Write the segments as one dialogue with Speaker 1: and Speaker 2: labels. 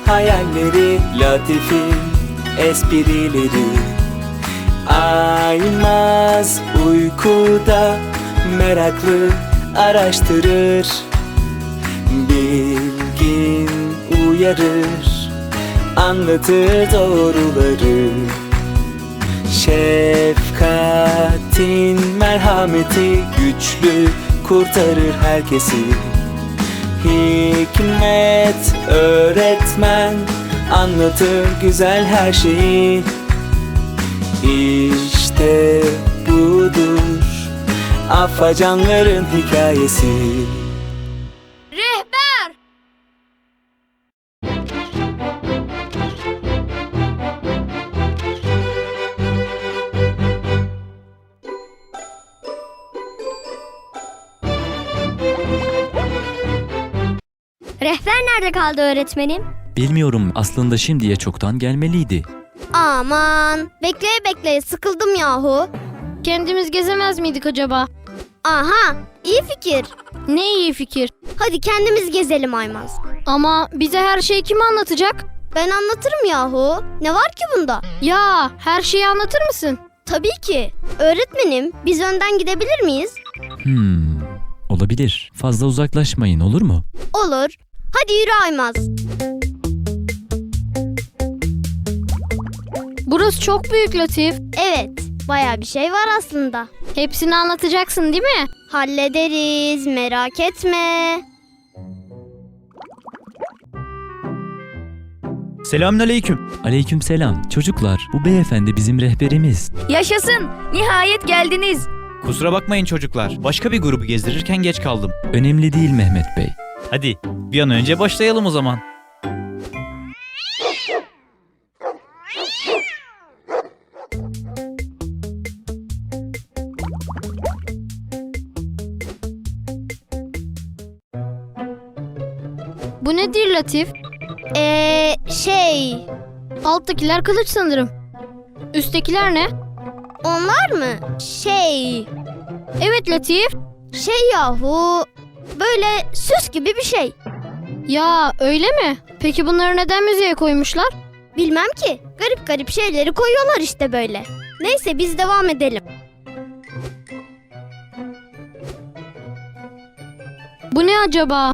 Speaker 1: hayalleri, Latif'in esprileri. Aymaz uykuda meraklı araştırır, bilgin uyarır, anlatır doğruları. Şefkatin merhameti güçlü kurtarır herkesi. Hikmet öğretmen anlatır güzel her şeyi. İşte budur afacanların hikayesi.
Speaker 2: Rehber!
Speaker 3: Rehber nerede kaldı öğretmenim?
Speaker 4: Bilmiyorum, aslında şimdiye çoktan gelmeliydi.
Speaker 3: Aman, bekleye bekleye sıkıldım yahu.
Speaker 2: Kendimiz gezemez miydik acaba?
Speaker 3: Aha, iyi fikir.
Speaker 2: Ne iyi fikir.
Speaker 3: Hadi kendimiz gezelim Aymaz.
Speaker 2: Ama bize her şeyi kim anlatacak?
Speaker 3: Ben anlatırım yahu. Ne var ki bunda?
Speaker 2: Ya her şeyi anlatır mısın?
Speaker 3: Tabii ki. Öğretmenim, biz önden gidebilir miyiz?
Speaker 4: Olabilir. Fazla uzaklaşmayın, olur mu?
Speaker 3: Olur. Hadi yürü Aymaz.
Speaker 2: Burası çok büyük Latif.
Speaker 3: Evet, bayağı bir şey var aslında.
Speaker 2: Hepsini anlatacaksın değil mi?
Speaker 3: Hallederiz, merak etme.
Speaker 5: Selamünaleyküm.
Speaker 4: Aleykümselam. Çocuklar, bu beyefendi bizim rehberimiz.
Speaker 6: Yaşasın! Nihayet geldiniz.
Speaker 5: Kusura bakmayın çocuklar. Başka bir grubu gezdirirken geç kaldım.
Speaker 4: Önemli değil Mehmet Bey.
Speaker 5: Hadi bir an önce başlayalım o zaman.
Speaker 2: Bu nedir Latif?
Speaker 3: Şey,
Speaker 2: Alttakiler kılıç sanırım. Üsttekiler ne?
Speaker 3: onlar mı?
Speaker 2: Evet Latif.
Speaker 3: Şey yahu, böyle süs gibi bir şey.
Speaker 2: Ya öyle mi? Peki bunları neden müzeye koymuşlar?
Speaker 3: Bilmem ki. Garip garip şeyleri koyuyorlar işte böyle. Neyse biz devam edelim.
Speaker 2: Bu ne acaba?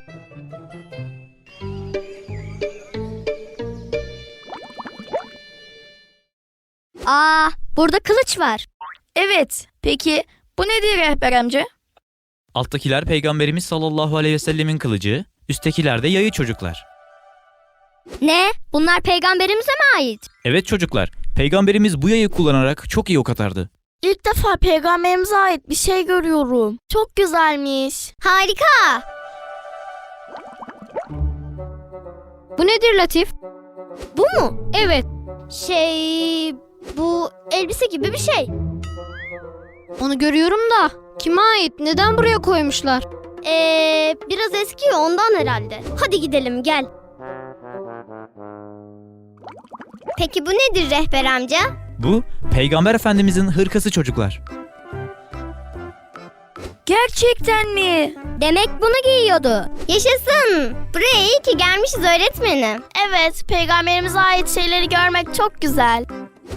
Speaker 3: Aa, burada kılıç var.
Speaker 6: Evet, peki bu nedir rehber amca?
Speaker 5: Alttakiler Peygamberimiz sallallahu aleyhi ve sellemin kılıcı, üsttekiler de yayı çocuklar.
Speaker 3: Ne? Bunlar peygamberimize mi ait?
Speaker 5: Evet çocuklar, Peygamberimiz bu yayı kullanarak çok iyi ok atardı.
Speaker 6: İlk defa peygamberimize ait bir şey görüyorum. Çok güzelmiş.
Speaker 3: Harika.
Speaker 2: Bu nedir Latif?
Speaker 3: Bu mu?
Speaker 2: Evet.
Speaker 3: Bu elbise gibi bir şey.
Speaker 2: Onu görüyorum da. Kime ait? Neden buraya koymuşlar?
Speaker 3: Biraz eski ondan herhalde. Hadi gidelim gel. Peki bu nedir rehber amca?
Speaker 5: Bu, Peygamber Efendimizin hırkası çocuklar.
Speaker 6: Gerçekten mi?
Speaker 3: Demek bunu giyiyordu. Yaşasın. Buraya iyi ki gelmişiz öğretmenim.
Speaker 6: Evet, peygamberimize ait şeyleri görmek çok güzel.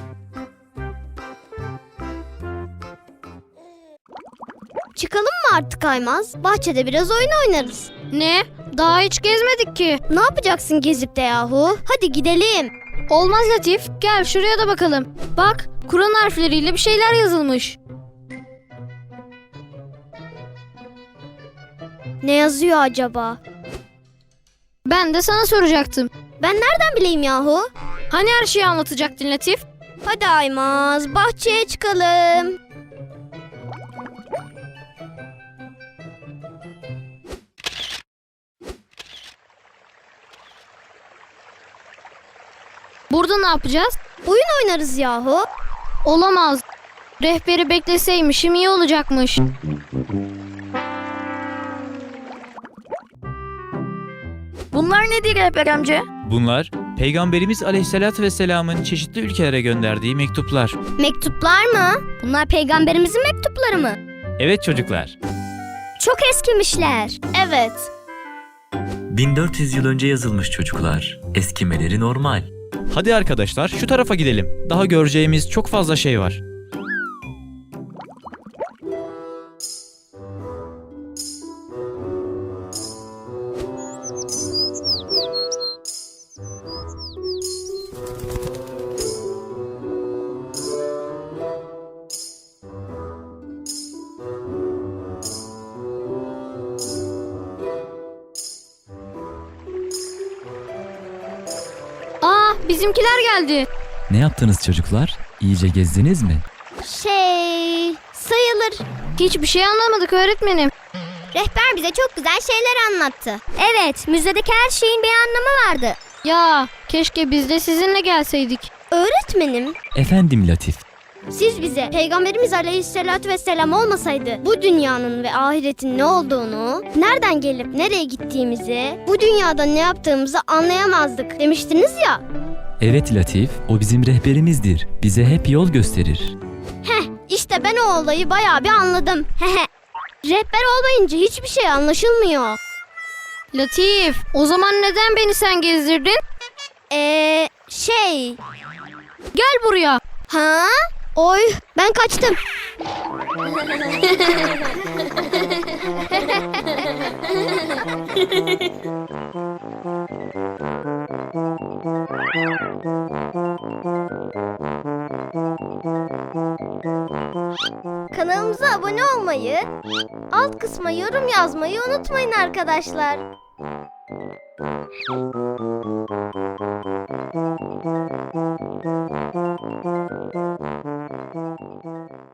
Speaker 3: Çıkalım mı artık Aymaz? Bahçede biraz oyun oynarız.
Speaker 2: Ne? Daha hiç gezmedik ki.
Speaker 3: Ne yapacaksın gezip de yahu? Hadi gidelim.
Speaker 2: Olmaz Latif. Gel şuraya da bakalım. Bak, Kur'an harfleriyle bir şeyler yazılmış.
Speaker 3: Ne yazıyor acaba?
Speaker 2: Ben de sana soracaktım.
Speaker 3: Ben nereden bileyim yahu?
Speaker 2: Hani her şeyi anlatacaktın Latif?
Speaker 3: Hadi Aymaz, bahçeye çıkalım.
Speaker 2: Burada ne yapacağız?
Speaker 3: Oyun oynarız yahu.
Speaker 2: Olamaz. Rehberi bekleseymişim iyi olacakmış.
Speaker 6: Bunlar nedir rehber amca?
Speaker 5: Bunlar, Peygamberimiz aleyhissalatü vesselamın çeşitli ülkelere gönderdiği mektuplar.
Speaker 3: Mektuplar mı? Bunlar peygamberimizin mektupları mı?
Speaker 5: Evet çocuklar.
Speaker 3: Çok eskimişler.
Speaker 6: Evet.
Speaker 4: 1400 yıl önce yazılmış çocuklar. Eskimeleri normal.
Speaker 5: Hadi arkadaşlar şu tarafa gidelim. Daha göreceğimiz çok fazla şey var.
Speaker 2: Aa, bizimkiler geldi.
Speaker 4: Ne yaptınız çocuklar? İyice gezdiniz mi?
Speaker 3: Sayılır.
Speaker 2: Hiçbir şey anlamadık öğretmenim.
Speaker 3: Rehber bize çok güzel şeyler anlattı. Evet, müzedeki her şeyin bir anlamı vardı.
Speaker 2: Ya, keşke biz de sizinle gelseydik.
Speaker 3: Öğretmenim,
Speaker 4: Efendim Latif.
Speaker 3: siz bize Peygamberimiz Aleyhisselatü Vesselam olmasaydı bu dünyanın ve ahiretin ne olduğunu, nereden gelip nereye gittiğimizi, bu dünyada ne yaptığımızı anlayamazdık demiştiniz ya.
Speaker 4: Evet Latif, o bizim rehberimizdir. Bize hep yol gösterir.
Speaker 3: İşte ben o olayı bayağı bir anladım. Rehber olmayınca hiçbir şey anlaşılmıyor.
Speaker 2: Latif, o zaman neden beni sen gezdirdin? Gel buraya.
Speaker 3: Ha? Oy, ben kaçtım. Kanalımıza abone olmayı, alt kısma yorum yazmayı unutmayın arkadaşlar.